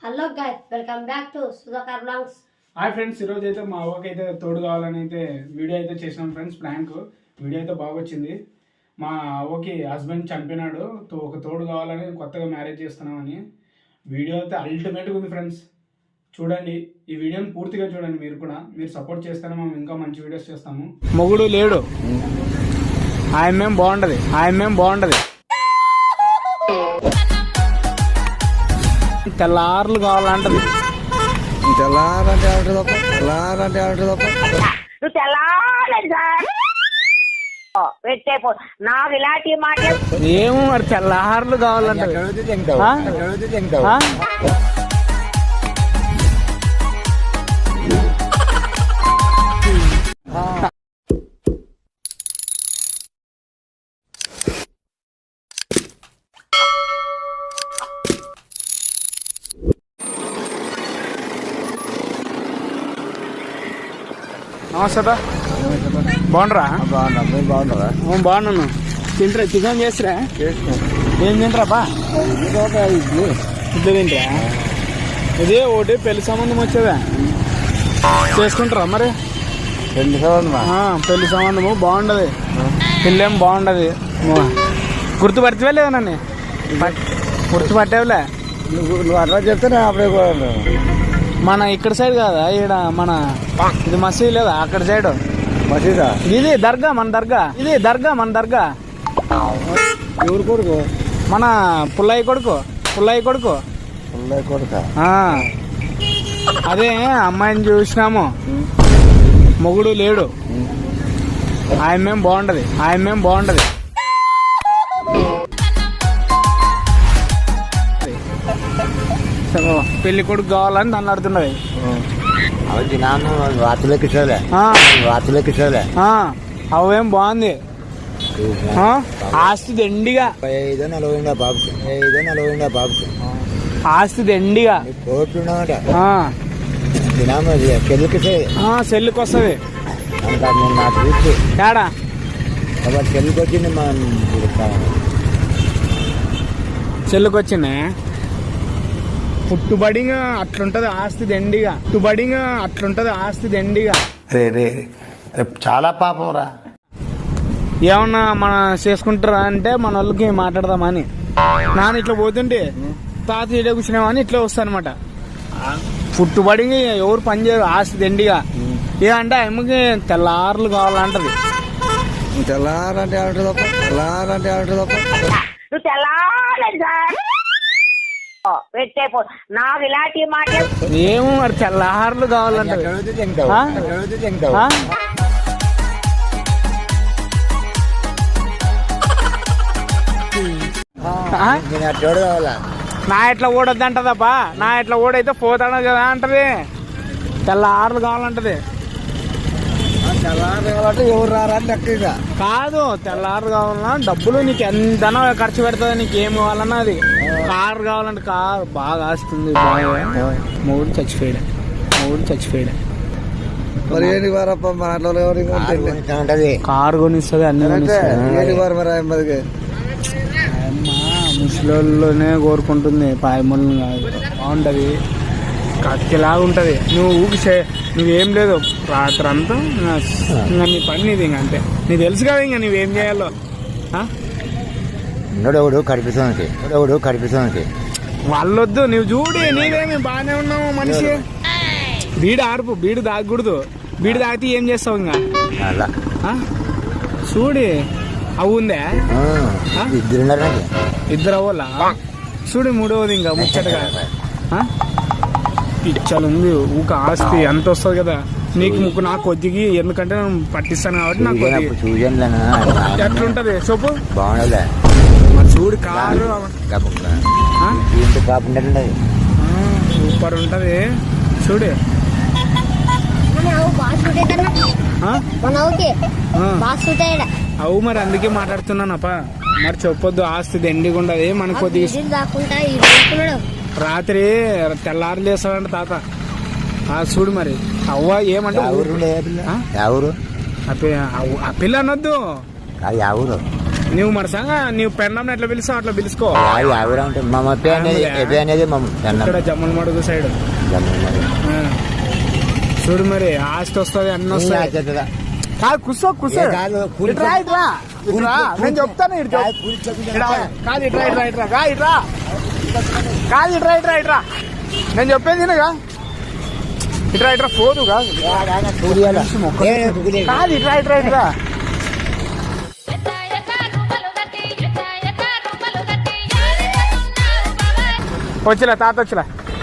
Hello guys, welcome back to Sudhakar blogs. Hi friends, ఈరోజు అయితే మా అవ్వకి అయితే తోడు కావాలని అయితే వీడియో అయితే చేసినాం ఫ్రెండ్స్. ప్రాంక్ వీడియో అయితే బాగా వచ్చింది. మా అవ్వకి హస్బెండ్ చనిపోయినాడు, ఒక తోడు కావాలని కొత్తగా మ్యారేజ్ చేస్తున్నామని. వీడియో అయితే అల్టిమేట్గా ఉంది ఫ్రెండ్స్. చూడండి, ఈ వీడియోని పూర్తిగా చూడండి. మీరు కూడా మీరు సపోర్ట్ చేస్తేనే మేము ఇంకా మంచి వీడియోస్ చేస్తాము. మొగుడు లేడు, ఆయమ్మేం బాగుండదు. తెల్లార్లు కావాలంటది. తెల్లారంటే తప్ప నువ్వు తెల్లారలేదు సార్ పెట్టేపో నాకు ఇలాంటి మాటలు ఏమో మరి తెల్లార్లు కావాలంట. నమస్తే, బాగుండరా? మీరు బాగున్నారా? బాగున్నాను. తింటరా? చికెన్ చేసిరా? ఏం తింటరా బా? ఇద్దరు తింటరా? ఇదే ఒకటి పెళ్లి సంబంధం వచ్చేదా? చేసుకుంటారా మరి? పెళ్లి సంబంధం పెళ్లి సంబంధము బాగుండదు, పెళ్ళేం బాగుండదు. గుర్తుపడితే లేదా నన్ను? గుర్తుపట్టేవులే. నువ్వు అట్లా చెప్తే అప్పుడే మన ఇక్కడ సైడ్ కాదా, ఈడ మన ఇది మసీద్ లేదా అక్కడ సైడ్ మసీదా? ఇది దర్గా, మన దర్గా. ఎవరు కొడుకు? మన పుల్లయ్య కొడుకు. అదే అమ్మాయిని చూసినాము, మొగుడు లేడు, ఆయమ్మేం బాగుండదు. పెళ్లి కొడుకు కావాలని దాన్ని అడుగుతున్నది. అవేం బాగుంది, ఆస్తి దండిగా, ఆస్తి దండిగా సెల్లుకి వస్తుంది. తేడా సెల్లుకి వచ్చింది. పుట్టుబడిగా అట్లుంటది ఆస్తి దండిగా. రే చాలా పాపం రా. ఏమన్నా మనం చేసుకుంటారా అంటే మన వాళ్ళకి మాట్లాడదామని. నాన్న ఇట్లా పోతుంటే తాత ఇడే కూర్చున్నామని ఇట్లా వస్తానమాట. పుట్టుబడిగా ఎవరు పని చేయరు, ఆస్తి దండిగా. ఏ అంటే అమ్మకి తెల్లార్లు కావాలంటది. తెల్లారంటే తప్ప నువ్వు తెల్లారలేదు సార్ పెట్టేపో నాకు ఇలాంటి మాటలు ఏమో మరి తెల్లార్లు కావాలంటది. నా ఎట్లా ఓడొద్దంటదబ్బా, నా ఎట్లా ఓడైతే పోతాడు కదా అంటది. తెల్లార్లు కావాలంటది. ఎవరు రారా లెక్క కాదు, తెల్లారు కావాలన్నా డబ్బులు నీకు ఎంతనా ఖర్చు పెడుతుంది, నీకు ఏం కావాలన్నా. అది కారు కావాలంటే కారు బాగా ఆస్తుంది. మూడు చచ్చిపోయాడు. మరి ఏంటి వారప్ప మాట్లాడే కారు కొనిస్తుంది, అన్ని కొనిస్తుంది. ముసలిలోనే కోరుకుంటుంది, పాయమూలను కాదు. బాగుంటది, కత్తిలాగా ఉంటది. నువ్వు నువ్వేం లేదు, రాత్రి అంతా ఇంకా నీ పని నీది. ఇంక అంతే, నీకు తెలుసు కదా ఇంకా నువ్వేం చేయాలో. కనిపిస్తుంది వాళ్ళొద్దు, నువ్వు చూడి, నీవేమి బాగానే ఉన్నావు మనిషి. బీడు తాగకూడదు. బీడు తాగితే ఏం చేస్తావు ఇంకా? చూడి, అవు ఉందే ఇద్దరు అవ్వాలా? చూడు, మూడవది ఇంకా ముచ్చటగా పిచ్చలుంది. ఊక ఆస్తి ఎంత వస్తుంది కదా నీకు, నాకు కొద్దిగా. ఎందుకంటే నేను పట్టిస్తాను కాబట్టి నాకు ఎట్లుంటది చెప్పు. మరి చూడు, కారు సూపర్ ఉంటది. చూడు, అవు మరి అందుకే మాట్లాడుతున్నానప్ప. మరి చెప్పొద్దు, ఆస్తి దండిగా ఉండదు. మనకు కొద్దిగా రాత్రి తెల్లారు లేస్తాడంట తాత. చూడు మరి అవ్వ ఏమంటే ఎవరు ఆ పిల్ల అనొద్దు. నువ్వు మరసంగా నువ్వు పెన్నం ఎట్లా పిలుస్తావు అట్లా పిలుచుకో. ఎవరు అంటే మా ఎప్పి అనేది ఎప్పి అనేది మా ఇక్కడ జమ్మల మడుగు సైడ్ చూడు మరి ఆస్తి వస్తుంది అన్న వస్తుంది. కాదు కూర్చో కూర్చో ఇట్రా ఇట్రా ఇట్రా నేను చెప్తాను ఇట్రా కాదు ఇట్రా ఇట్రా ఇట్రా కా ఇట్రా కాదు ఇట్రా ఇట్రా ఇట్రా నేను చెప్పేది వినగా ఇట్రా ఇట్రా పోదు కాదు కాదు ఇట్రా ఇట్రా ఇట్రా వచ్చిలా తాత వచ్చిలా